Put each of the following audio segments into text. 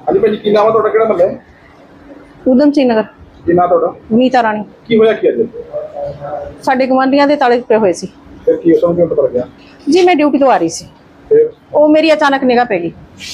ਹਾਂਜੀ ਭਾਜੀ ਕੀ ਨਾਮ ਹੈ ਤੁਹਾਡਾ, ਕਿਹੜਾ ਮਹੱਲਾ ਹੈ? ਊਧਮ ਸਿੰਘ ਨਗਰ। ਕੀ ਨਾਮ ਤੁਹਾਡਾ? ਨੀਤਾ ਰਾਣੀ। ਕੀ ਹੋਇਆ ਕੀ ਅੱਜ? ਸਾਡੇ ਗਵਾਂਢੀਆਂ ਦੇ ਤਾਲੇ ਟੁੱਟੇ ਹੋਏ ਸੀ। ਫਿਰ ਕੀ ਉਸ ਨੂੰ ਕਿਉਂ ਪਤਾ ਲੱਗਿਆ? ਜੀ ਮੈਂ ਡਿਊਟੀ ਤੋਂ ਆ ਰਹੀ ਸੀ, ਫਿਰ ਉਹ ਮੇਰੀ ਅਚਾਨਕ ਨਿਗਾਹ ਪੈ ਗਈ।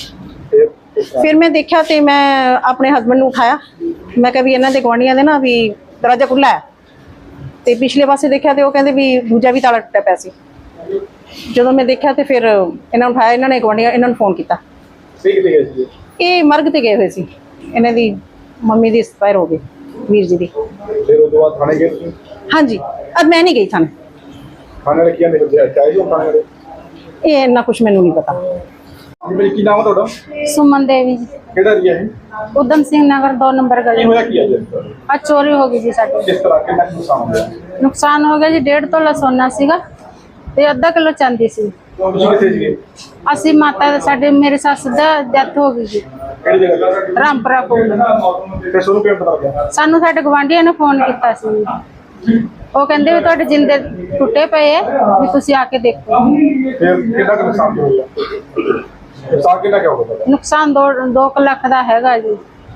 ਫਿਰ ਮੈਂ ਦੇਖਿਆ ਤੇ ਮੈਂ ਆਪਣੇ ਹਸਬੰਡ ਨੂੰ ਉਠਾਇਆ। ਮੈਂ ਕਿਹਾ ਵੀ ਇਹਨਾਂ ਦੇ ਗਵਾਂਢੀਆਂ ਦੇ ਨਾ ਵੀ ਦਰਵਾਜ਼ਾ ਖੁੱਲਾ ਹੈ, ਤੇ ਪਿਛਲੇ ਪਾਸੇ ਦੇਖਿਆ ਤੇ ਉਹ ਕਹਿੰਦੇ ਵੀ ਦੂਜਾ ਵੀ ਤਾਲਾ ਟੁੱਟਿਆ ਪਿਆ ਸੀ। ਜਦੋਂ ਮੈਂ ਦੇਖਿਆ ਤੇ ਫਿਰ ਇਹਨਾਂ ਨੂੰ ਉਠਾਇਆ, ਇਹਨਾਂ ਨੇ ਗਵਾਂਢੀਆਂ ਇਹਨਾਂ ਨੂੰ ਫੋਨ ਕੀਤਾ। ਕਿੱਥੇ ਗਏ ਸੀ? ਇਹ ਮਰਗ ਤੇ ਗਏ ਹੋਏ ਸੀ, ਇਹਨਾਂ ਦੀ ਮੰਮੀ ਦੀ ਐਕਸਪਾਇਰ ਹੋ ਗਈ, ਵੀਰ ਜੀ ਦੀ। ਫਿਰ ਉਸ ਤੋਂ ਬਾਅਦ ਥਾਣੇ ਗਏ ਤੁਸੀਂ? ਹਾਂਜੀ, ਅੱਜ ਮੈਂ ਨਹੀਂ ਗਈ ਥਾਣੇ। ਥਾਣੇ ਵਾਲੇ ਕੀ ਕਹਿੰਦੇ ਚਾਹੀਏ ਹੋ ਥਾਣੇ ਵਾਲੇ? ਇਹ ਇੰਨਾ ਕੁਛ ਮੈਨੂੰ ਨਹੀਂ ਪਤਾ। ਹਾਂਜੀ ਭਾਜੀ ਕੀ ਨਾਮ ਹੈ ਤੁਹਾਡਾ? सुमन देवी जी, ਕਿਹੜਾ ਏਰੀਆ ਹੈ? उधम सिंह नगर 2 नंबर ਕੀ गली। ਹੋਇਆ ਕੀ ਅੱਜ? आज चोरी हो गई जी साडी। ਕਿਸ ਤਰ੍ਹਾਂ ਕਿੰਨਾ ਕੁ ਨੁਕਸਾਨ ਹੋਇਆ? नुकसान हो गया जी 1.5 तोला सोना सीगा ते आधा किलो चांदी सी। ਤੁਸੀਂ ਕਿੱਥੇ ਸੀਗੇ? ਅਸੀਂ ਮਾਤਾ ਸਾਡੀ ਮੇਰੀ ਸੱਸ ਦਾ ਡੈਥ ਹੋ ਗਈ ਜੀ ਕਿਹੜੀ ਜਗ੍ਹਾ ਤੇ? ਰਾਮਪੁਰਾ ਕੋਲ। ਫਿਰ ਤੁਹਾਨੂੰ ਕਿਵੇਂ ਪਤਾ ਲੱਗਿਆ? ਸਾਨੂੰ ਸਾਡੇ ਗਵਾਂਢੀਆਂ ਨੇ ਫੋਨ ਕੀਤਾ ਸੀ, ਉਹ ਕਹਿੰਦੇ ਵੀ ਤੁਹਾਡੇ ਜਿੰਦੇ ਟੁੱਟੇ ਪਏ ਆ ਵੀ ਤੁਸੀਂ ਆ ਕੇ ਦੇਖੋ। ਫਿਰ ਕਿੰਨਾ ਕੁ ਨੁਕਸਾਨ ਹੋਇਆ? ਨੁਕਸਾਨ ਕਿੰਨਾ ਕੁ ਹੋਇਆ? ਨੁਕਸਾਨ 2 ਲੱਖ ਦਾ ਹੈਗਾ ਜੀ।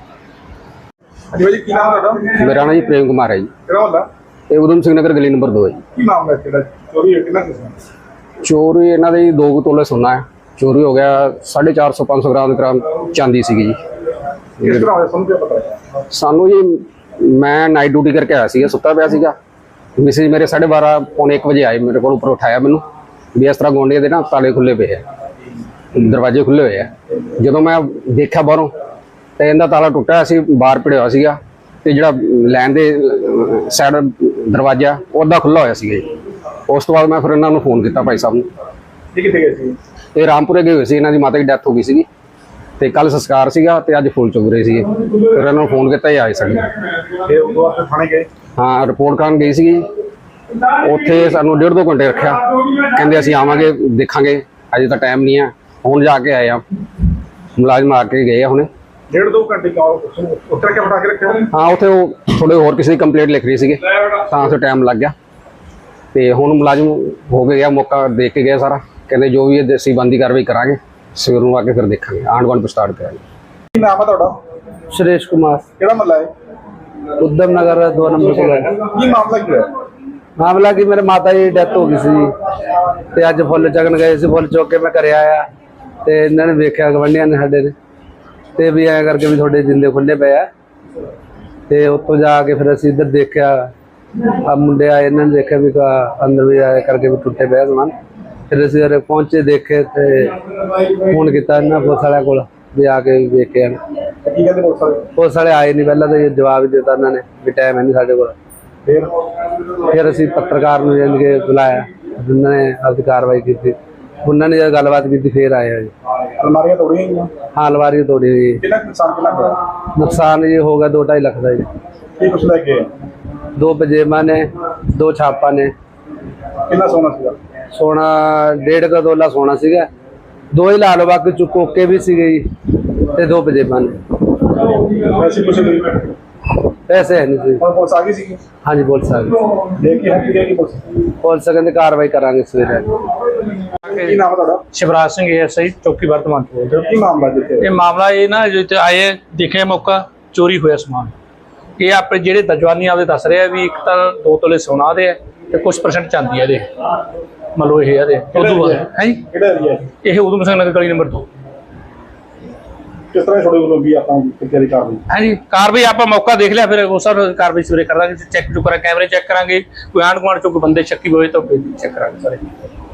ਹਾਂਜੀ ਭਾਜੀ ਕੀ ਨਾਮ ਹੈ ਤੁਹਾਡਾ? मेरा नाम जी प्रेम कुमार है जी। ਕਿਹੜਾ ਮਹੱਲਾ? ये उधम सिंह नगर गली नंबर 2 है जी। ਕੀ ਨਾਮ ਹੈ ਤੇਰਾ? ਚੋਰੀ ਹੋਈ ਕਿੰਨਾ ਕੁ ਨੁਕਸਾਨ? चोरी इन्हों के 2 ਤੋਲੇ सोना है चोरी हो गया। 450-500 ग्राम चांदी सी जी। ਕਿਸ ਤਰ੍ਹਾਂ ਹੋਇਆ ਤੁਹਾਨੂੰ ਕਿਵੇਂ ਪਤਾ ਲੱਗਿਆ? सानू जी मैं नाइट ड्यूटी करके आया सीगा, सुता पिया सीगा। मिसेज मेरे 12:30 पौने 1 बजे आए, मेरे को उपर उठाया मैनू भी इस तरह गुआंढियों के ना ताले खुले पे है, दरवाजे खुले हुए है। जो मैं देखा बाहरों तो इनका ताला टुटा सी, बाहर पिड़िया हुआ सीगा ते जिहड़ा लैन दे साइड दरवाजा उदा खुला होया सीगा जी। उस तो बाद मैं फिर इन्होंने फोन किया भाई साहब ने। ਇਹ ਕਿੱਥੇ ਗਏ ਸੀ? ये रामपुरे गए हुए सी, इन्हों की माता की डैथ हो गई सी ते कल संस्कार सीगा ते अज फुल चुग रहे सी। फिर इन्होंने फोन किया ये आए साडे। ਫਿਰ ਉਸ ਤੋਂ ਬਾਅਦ ਥਾਣੇ ਗਏ? हाँ रिपोर्ट कराने गई सी, उत्थे सानू 1.5-2 घंटे रखा, कहते असीं आवांगे देखांगे, अजे तो टाइम नहीं है। हुण जाके आए आ, मुलाजम आके गए आ हुणे। 1.5-2 घंटे का उत्तर क्या बता के रखे? हाँ उत्थे वो थोड़े होर किसी की कंप्लेंट लिख रही सी, तां उत्थे टाइम लग गया। तो हुण मुलाजम हो के गया, मौका देख के गया सारा, कहते जो भी है देसी बंदी कार्रवाई करांगे, सवेर नूं आके फिर देखांगे, आंढ गुआंढ स्टार्ट करांगे। ਕੀ ਨਾਮ ਹੈ ਤੁਹਾਡਾ? सुरेश कुमार, ਕਿਹੜਾ ਮਹੱਲਾ ਹੈ? उधम नगर 2 नंबर को है। ਕੀ ਮਾਮਲਾ ਕੀ ਹੈ? मामला कि मेरे माता जी डेथ हो गई सी ते अज फुल चगन गए सी, फुल चुक के मैं घरे आया ते इन्होंने वेख्या गवांढियां ने साडे ने ते भी ऐ करके भी थोड़े जिंदे खुले पे आ। ते उत्तों जाके फिर असीं इधर देखा, आ मुंडे आए, इन्होंने देखा भी अंदर भी आए करके भी टुटे पे समान। फिर असीं उरे पहुंचे, देखे ते फोन किया इन्हां पुलिस वालियां कोल भी आके वेख के आण। ਕੀ ਕਹਿੰਦੇ ਪੁਲਿਸ ਵਾਲੇ? पुलिस वाले आए नहीं, पहला तो ये जवाब ही देता उन्होंने भी टाइम है नहीं साडे कोल। फिर असीं पत्रकार नूं जान के बुलाया, उन्होंने अपनी कार्रवाई की, उन्होंने जब गलबात की फिर आए जी। ਅਲਮਾਰੀਆਂ ਤੋੜੀਆਂ ਗਈਆਂ? हाँ अलमारी तोड़ी गई। ਕਿੰਨਾ ਕੁ ਨੁਕਸਾਨ ਕਿੰਨਾ ਹੋਇਆ? नुकसान ये होगा 2-2.5 लाख का जी। ਕੀ ਕੁਛ ਲੈ ਕੇ? 2 पजेमा ने, 2 छापा ने, ਕਿੰਨਾ ਸੋਨਾ ਸੀਗਾ? सोना 1.5 तोला सोना सीगा, 2 ही ला लो, बाकी चुकोके भी सीगे जी ते 2 पजेमा ने। ਵੈਸੇ ਕੁਛ ਨਹੀਂ? पैसे है नहीं सी। ਹੁਣ ਪੁਲਿਸ ਆ ਗਈ ਸੀਗੀ? हाँ जी पुलिस आ गई, ਦੇਖ ਕੇ ਹੱਥ ਦੇਗੀ ਪੁਲਿਸ? पुलिस कहते कार्रवाई करांगे सवेरे। ਕੀ ਨਾਮ ਹੈ ਤੁਹਾਡਾ? शिवराज सिंह एएसआई चौकी वर्तमान ਤੋਂ ਬੋਲ ਰਿਹਾ। ਕੀ ਮਾਮਲਾ ਜਿੱਥੇ? ਇਹ ਮਾਮਲਾ ਇਹ ਨਾ ਜਿੱਥੇ ਆਏ ਦੇਖੇ ਮੌਕਾ ਚੋਰੀ ਹੋਇਆ ਸਮਾਨ। ਇਹ ਆਪਣੇ ਜਿਹੜੇ ਦਜਵਾਨੀ ਆਪਦੇ ਦੱਸ ਰਹੇ ਆ ਵੀ ਇੱਕ ਤਾਂ 2 ਤੋਲੇ ਸੋਨਾ ਦੇ ਆ ਤੇ ਕੁਝ % ਚਾਂਦੀ ਆ ਇਹਦੇ, ਮੰਨ ਲਓ ਇਹ ਇਹਦੇ ਉਦੋਂ ਬਾਅਦ ਹੈ ਜੀ। ਕਿਹੜਾ ਏਰੀਆ ਹੈ? ਇਹ ਉਧਮ ਸਿੰਘ ਨਗਰ ਗਲੀ ਨੰਬਰ 2 ਕਿਸ ਤਰ੍ਹਾਂ ਛੋੜੇ ਵੱਲੋਂ ਵੀ ਆਪਾਂ ਤਿਆਰੀ ਕਰ ਰਹੇ? ਹੈ ਜੀ। ਕਾਰਵਾਈ ਆਪਾਂ ਮੌਕਾ ਦੇਖ ਲਿਆ, ਫਿਰ ਉਸ ਹਿਸਾਬ ਕਾਰਵਾਈ ਸਵੇਰੇ ਕਰ ਦਾਂਗੇ। ਚੈੱਕ ਕਰਾਂਗੇ, ਕੈਮਰੇ ਚੈੱਕ ਕਰਾਂਗੇ, ਕੋਈ ਆਂਢ ਗੁਆਂਢ ਚੋਂ ਕੋਈ ਬੰਦੇ ਸ਼ੱਕੀ ਹੋਏ ਤਾਂ ਚੈੱਕ ਕਰਾਂਗੇ ਸਾਰੇ।